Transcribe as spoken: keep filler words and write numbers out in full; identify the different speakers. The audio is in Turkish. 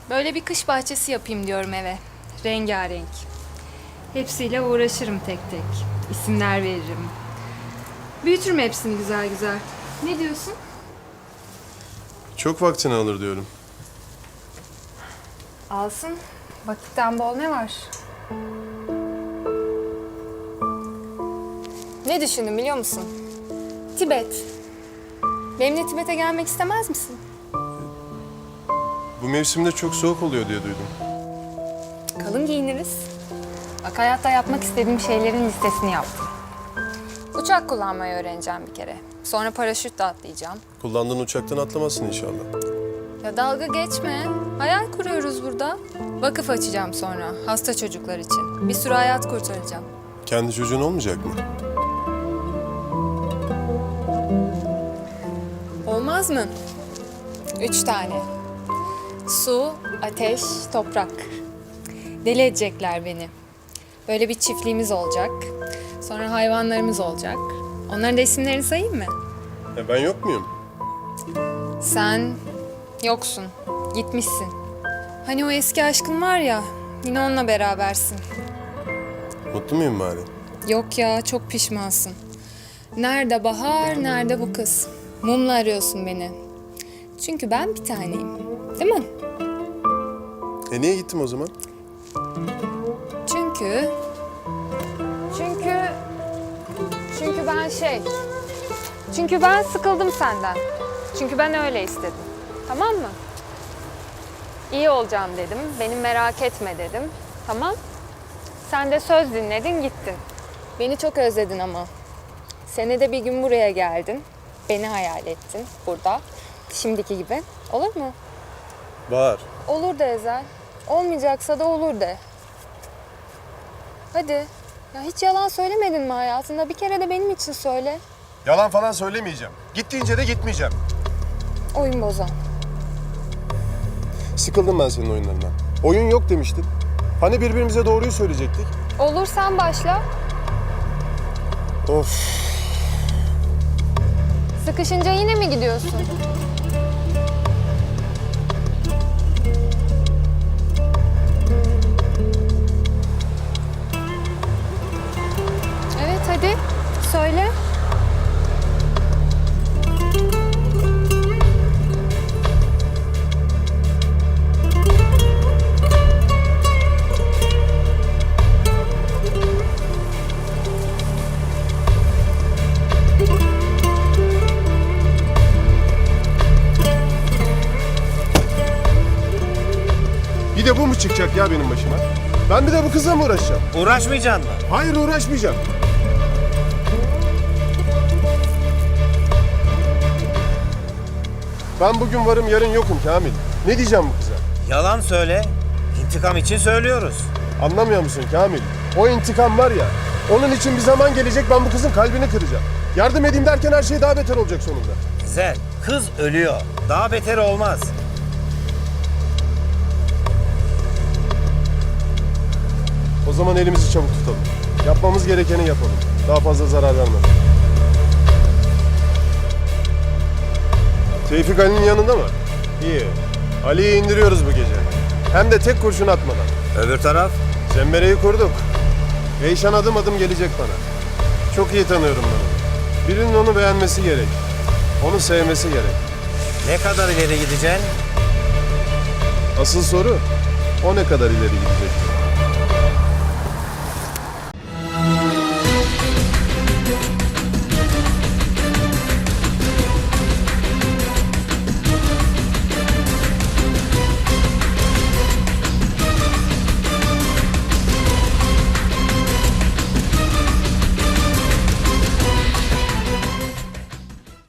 Speaker 1: Böyle bir kış bahçesi yapayım diyorum eve. Rengarenk. Hepsiyle uğraşırım tek tek. İsimler veririm. Büyütürüm hepsini güzel güzel. Ne diyorsun?
Speaker 2: Çok vaktini alır diyorum.
Speaker 1: Alsın. Vakitten bol ne var? Ne düşündüm biliyor musun? Tibet. Benimle Tibet'e gelmek istemez misin?
Speaker 2: Bu mevsimde çok soğuk oluyor diye duydum.
Speaker 1: Kalın giyiniriz. Bak hayatta yapmak istediğim şeylerin listesini yaptım. Uçak kullanmayı öğreneceğim bir kere. Sonra paraşütle atlayacağım.
Speaker 2: Kullandığın uçaktan atlamazsın inşallah.
Speaker 1: Ya dalga geçme. Hayal kuruyoruz burada. Vakıf açacağım sonra hasta çocuklar için. Bir sürü hayat kurtaracağım.
Speaker 2: Kendi çocuğun olmayacak mı?
Speaker 1: Olmaz mı? Üç tane. Su, ateş, toprak. Deli edecekler beni. Böyle bir çiftliğimiz olacak. Sonra hayvanlarımız olacak. Onların da isimlerini sayayım mı?
Speaker 2: E ben yok muyum?
Speaker 1: Sen yoksun. Gitmişsin. Hani o eski aşkın var ya, yine onunla berabersin.
Speaker 2: Mutlu muyum bari?
Speaker 1: Yok ya, çok pişmansın. Nerede Bahar, nerede bu kız? Mumla arıyorsun beni. Çünkü ben bir taneyim. Değil mi?
Speaker 2: E niye gittim o zaman?
Speaker 1: Çünkü... Çünkü... Çünkü ben şey... Çünkü ben sıkıldım senden. Çünkü ben öyle istedim. Tamam mı? İyi olacağım dedim. Beni merak etme dedim. Tamam. Sen de söz dinledin gittin. Beni çok özledin ama. Senede bir gün buraya geldin. Beni hayal ettin burada. Şimdiki gibi. Olur mu?
Speaker 2: Bahar.
Speaker 1: Olur de Ezel. Olmayacaksa da olur de. Hadi. Ya hiç yalan söylemedin mi hayatında? Bir kere de benim için söyle.
Speaker 2: Yalan falan söylemeyeceğim. Git deyince de gitmeyeceğim.
Speaker 1: Oyun bozan.
Speaker 2: Sıkıldım ben senin oyunlarından. Oyun yok demiştin. Hani birbirimize doğruyu söyleyecektik?
Speaker 1: Olur sen başla.
Speaker 2: Of.
Speaker 1: Sıkışınca yine mi gidiyorsun? Evet hadi söyle.
Speaker 2: Bir de bu mu çıkacak ya benim başıma? Ben bir de bu kızla mı uğraşacağım?
Speaker 3: Uğraşmayacaksın mı?
Speaker 2: Hayır uğraşmayacağım. Ben bugün varım yarın yokum Kamil. Ne diyeceğim bu kıza?
Speaker 3: Yalan söyle. İntikam için söylüyoruz.
Speaker 2: Anlamıyor musun Kamil? O intikam var ya, onun için bir zaman gelecek ben bu kızın kalbini kıracağım. Yardım edeyim derken her şey daha beter olacak sonunda.
Speaker 3: Güzel. Kız ölüyor. Daha beter olmaz.
Speaker 2: O zaman elimizi çabuk tutalım. Yapmamız gerekeni yapalım. Daha fazla zarar verme. Tevfik Ali'nin yanında mı? İyi. Ali'yi indiriyoruz bu gece. Hem de tek kurşun atmadan.
Speaker 3: Öbür taraf?
Speaker 2: Zembereyi kurduk. Eyşan adım adım gelecek bana. Çok iyi tanıyorum ben onu. Birinin onu beğenmesi gerek. Onu sevmesi gerek.
Speaker 3: Ne kadar ileri gideceksin?
Speaker 2: Asıl soru o ne kadar ileri gidecek?